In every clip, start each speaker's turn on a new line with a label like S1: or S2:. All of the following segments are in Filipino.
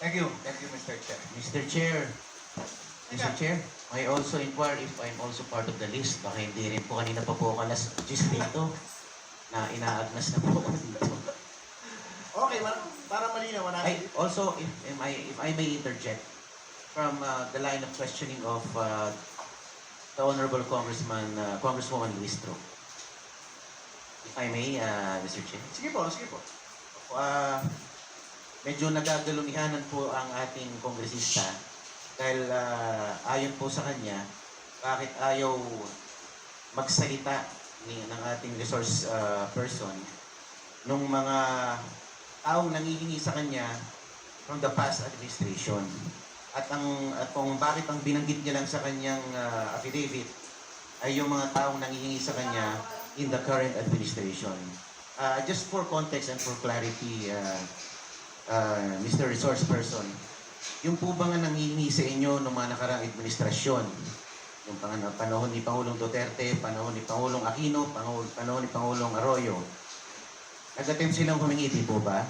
S1: Thank you, Mr. Chair.
S2: Mr. Chair, Mr. Chair, may also inquire if I'm also part of the list. Baka hindi rin po kanina pa po ako alas 10 dito na inaagnas na po ako dito.
S1: Okay, para malinaw na.
S2: Also, if I may interject from the line of questioning of the Honorable Congresswoman Luistro. If I may, Mr. Chair.
S1: Sige po, sige po.
S2: Medyo nagagalumihanan po ang ating kongresista dahil ayon po sa kanya, bakit ayaw magsalita ng ating resource person nung mga taong nangihingi sa kanya from the past administration. At kung bakit ang binanggit niya lang sa kanyang affidavit ay yung mga taong nangihingi sa kanya in the current administration. Just for context and for clarity, Mr. Resource Person, yung po ba nga nangihingi sa inyo ng mga nakaraang administrasyon, yung panahon ni Pangulong Duterte, panahon ni Pangulong Aquino, panahon ni Pangulong Arroyo, nag-attempt silang humingi, di po ba?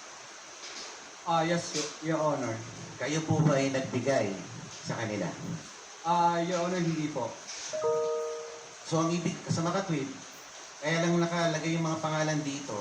S3: Yes, Your Honor.
S2: Kayo po ba ay nagbigay sa kanila?
S3: Your Honor, hindi po.
S2: So ang ibig sa makatwid, kaya lang nakalagay yung mga pangalan dito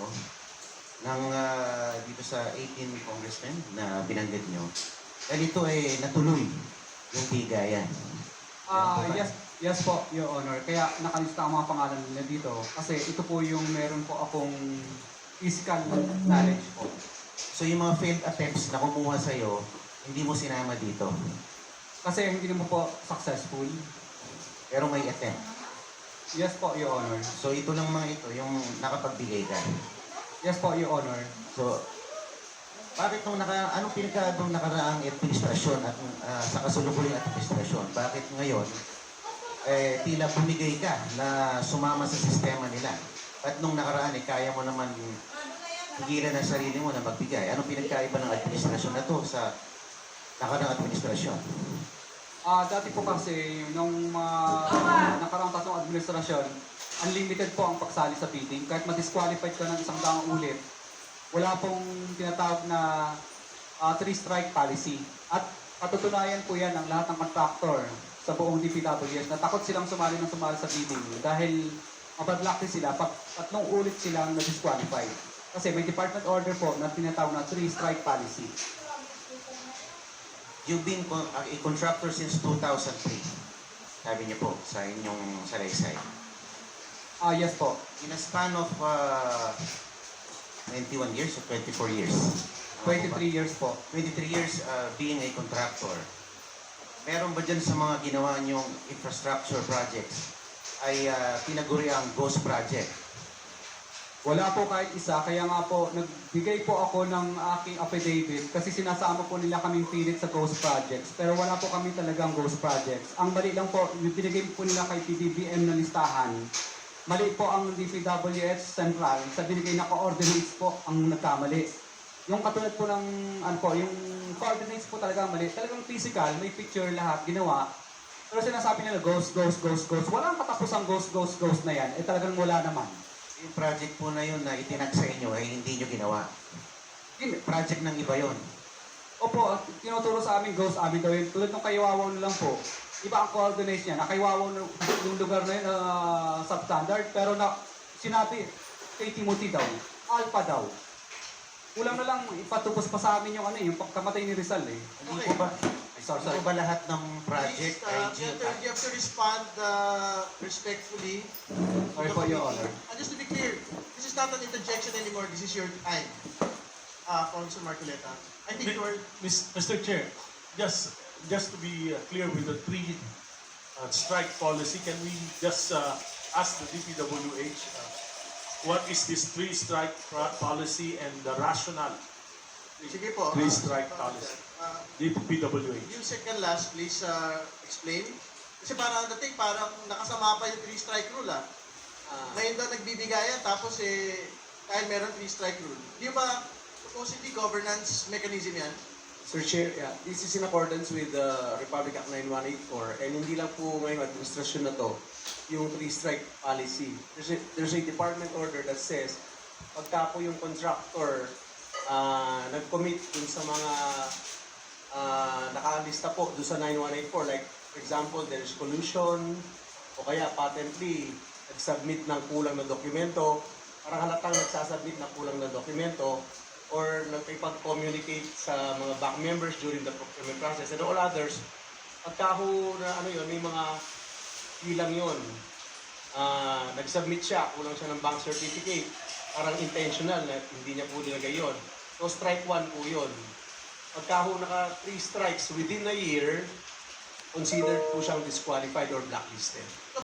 S2: dito sa 18 congressmen na binanggit nyo. Dahil ito ay natuloy yung bigayan.
S3: Yes po, Your Honor. Kaya nakalista ang mga pangalan nila dito kasi ito po yung meron po akong physical knowledge po.
S2: So yung mga failed attempts na kumuha sa'yo, hindi mo sinama dito.
S3: Kasi hindi naman po successful.
S2: Pero may attempt.
S3: Yes po, Your Honor.
S2: So ito lang mga ito, yung nakapagbigay ka.
S3: Yes po, Your Honor.
S2: So, bakit anong pinagkagawang nakaraang administrasyon at sa kasulukuyang administrasyon, bakit ngayon, tila bumigay ka na sumama sa sistema nila? At nung nakaraan, kaya mo naman higilan ang sarili mo na magbigay. Anong pinagkaiba ng administrasyon na to sa nakaraang administrasyon?
S3: Dati po kasi, nung nakaraang tatlong administrasyon, unlimited po ang pagsali sa bidding. Kahit ma-disqualified ka ng isang daang ulit, wala pong tinatawag na 3-strike policy. At patutunayan po yan ng lahat ng contractor sa buong DPWS na takot silang sumali sa bidding dahil mapadlaki sila pag tatlong ulit silang na-disqualified. Kasi may department order po na tinatawag na 3-strike policy.
S2: You've been a contractor since 2003. Sabi niyo po sa inyong salaysay.
S3: Yes po.
S2: In a span of 21 years or 24 years?
S3: 23 years po.
S2: 23 years being a contractor. Meron ba dyan sa mga ginawa niyong infrastructure projects ay tinaguri ang ghost project?
S3: Wala po kahit isa, kaya nga po, nagbigay po ako ng aking affidavit kasi sinasama po nila kaming pilit sa ghost projects. Pero wala po kami talagang ghost projects. Ang mali lang po, yung binigay po nila kay PDBM na listahan, mali po ang DPWH Central sa binigay na coordinates po ang nagkamali. Yung katulad po ng, yung coordinates po talaga mali. Talagang physical, may picture lahat, ginawa. Pero sinasabi nila ghost. Walang katapusang ghost na yan. Talagang wala naman.
S2: Yung project po na yun na itinag sa inyo ay hindi nyo ginawa. Project ng iba yun.
S3: Opo, tinuturo sa amin ghost, amin daw yun. Tulad ng Kaywawaw na lang po. Iba ang coordinates niya. Nakaywawaw yung lugar na yun, substandard. Pero sinabi kay Timothy daw, Alpha daw. Kulang na lang ipatubos pa sa amin yung pagkamatay ni Rizal eh.
S2: Hindi po ba? Hindi po ba lahat ng project ay
S1: You have to respond respectfully.
S3: Sorry po, Your Honor.
S1: And just to be clear, this is not an interjection anymore. This is your time. Councilor Marcoleta. I think you are...
S4: Mr. Chair, just to be clear with the 3-strike policy, can we just ask the DPWH what is this 3-strike policy and the rationale?
S1: Sige po.
S4: 3-strike policy. DPWH.
S1: Yung second last, please explain. Kasi parang dating, parang nakasama pa yung 3-strike rule Ngayon daw nagbibigayan, tapos dahil meron 3-strike rule. Di ba supposedly governance mechanism yan?
S5: Sir Chair, yeah, this is in accordance with Republic Act 9184 and hindi lang po ngayong administrasyon na to yung 3-strike policy. There's a department order that says pagka po yung contractor nag-commit dun sa mga nakalista po doon sa 9184. Like, for example, there is collusion, o kaya patently, nag-submit ng kulang na dokumento, parang halatang nagsasubmit na kulang na dokumento, or nagpipag-communicate sa mga back members during the procurement process, and all others, pagka ho na ano yun, may mga bilang yun, nag-submit siya, kulang siya ng bank certificate, parang intentional na hindi niya po nilagay yun. So strike 1 po yun. Pagka ho naka 3 strikes within a year, considered po siyang disqualified or blacklisted.